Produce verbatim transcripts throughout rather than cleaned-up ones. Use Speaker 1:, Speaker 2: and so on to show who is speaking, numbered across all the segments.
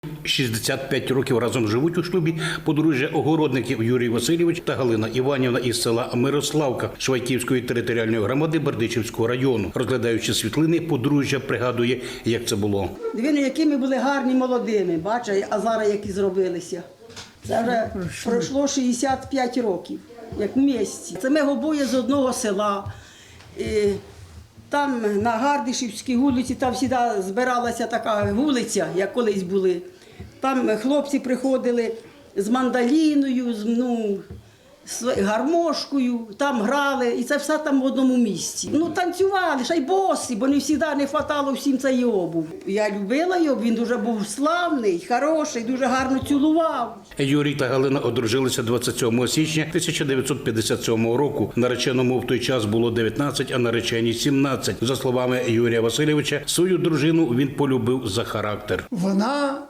Speaker 1: шістдесят п'ять років разом живуть у шлюбі подружжя Огородників Юрій Васильович та Галина Іванівна із села Мирославка Швайківської територіальної громади Бердичівського району. Розглядаючи світлини, подружжя пригадує, як це було.
Speaker 2: Диви, які ми були гарні молодими, бачиш, а зараз які зробилися. Це вже пройшло шістдесят п'ять років, як в місті. Це ми обоє з одного села. І там на Гардишівській вулиці, там завжди збиралася така вулиця, як колись були. Там хлопці приходили з мандоліною, з ну, з гармошкою, там грали, і це все там в одному місці. Ну, танцювали, ще й босі, бо не завжди не вистачало всім цієї обув. Я любила його, він дуже був славний, хороший, дуже гарно цілував.
Speaker 1: Юрій та Галина одружилися двадцять сьомого січня тисяча дев'ятсот п'ятдесят сьомого року. Нареченому в той час було дев'ятнадцять, а нареченій сімнадцять. За словами Юрія Васильовича, свою дружину він полюбив за характер.
Speaker 3: Вона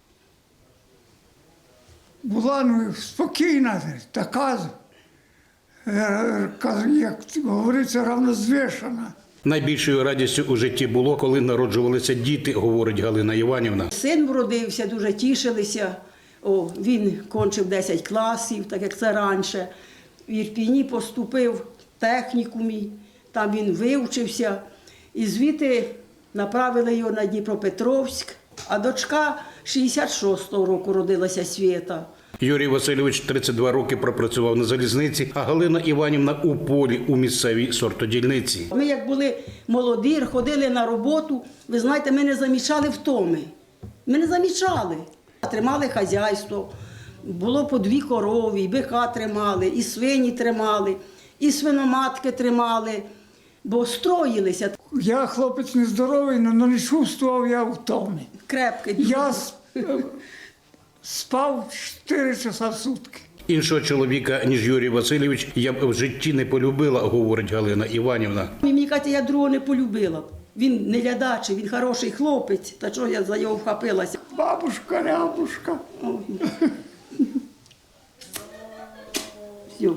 Speaker 3: була ну, спокійна, така, як говориться, равнозвішана.
Speaker 1: Найбільшою радістю у житті було, коли народжувалися діти, говорить Галина Іванівна.
Speaker 2: Син вродився, дуже тішилися. О, він кончив десять класів, так як це раніше. В Ірпіні поступив в технікумі, там він вивчився. І звідти направили його на Дніпропетровськ. А дочка шістдесят шостого року родилася Свєта.
Speaker 1: Юрій Васильович тридцять два роки пропрацював на залізниці, а Галина Іванівна у полі у місцевій сортодільниці.
Speaker 2: Ми як були молоді, ходили на роботу, ви знаєте, ми не замічали втоми. Ми не замічали. Тримали хазяйство, було по дві корови, і бика тримали, і свині тримали, і свиноматки тримали, бо строїлися.
Speaker 3: Я хлопець нездоровий, але не чувствував я втоми.
Speaker 2: Крепкий.
Speaker 3: Я спав чотири часа в сутки.
Speaker 1: Іншого чоловіка, ніж Юрій Васильович, я б в житті не полюбила, говорить Галина Іванівна.
Speaker 2: Мені кажуть, я другого не полюбила. Він не лядачий, він хороший хлопець, та чого я за його вхопилася.
Speaker 3: Бабушка, рябушка.
Speaker 2: Все.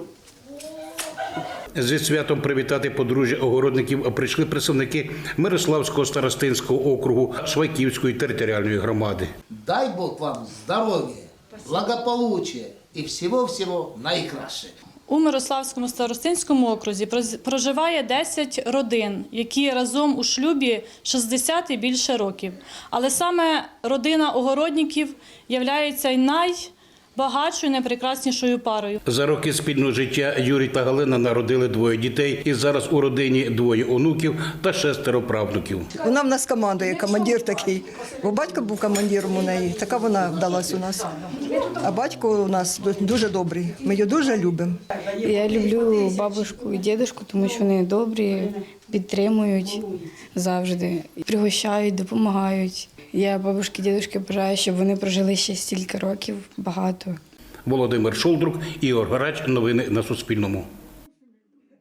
Speaker 1: Зі святом привітати подружжя Огородників прийшли представники Мирославського старостинського округу Швайківської територіальної громади.
Speaker 4: Дай Бог вам здоров'я, благополуччя і всього-всього найкраще.
Speaker 5: У Мирославському старостинському окрузі проживає десять родин, які разом у шлюбі шістдесят і більше років. Але саме родина Огородників є найбагатшою, найпрекраснішою парою.
Speaker 1: За роки спільного життя Юрій та Галина народили двоє дітей, і зараз у родині двоє онуків та шестеро правнуків.
Speaker 6: Вона в нас командує, командир такий. Бо батько був командиром у неї, така вона вдалась у нас. А батько у нас дуже добрий, ми його дуже любимо.
Speaker 7: Я люблю бабушку і дідушку, тому що вони добрі, підтримують завжди, пригощають, допомагають. Я бабушки, дідушки бажаю, щоб вони прожили ще стільки років, багато.
Speaker 1: Володимир Шолдрук, Ігор Грач. Новини на Суспільному.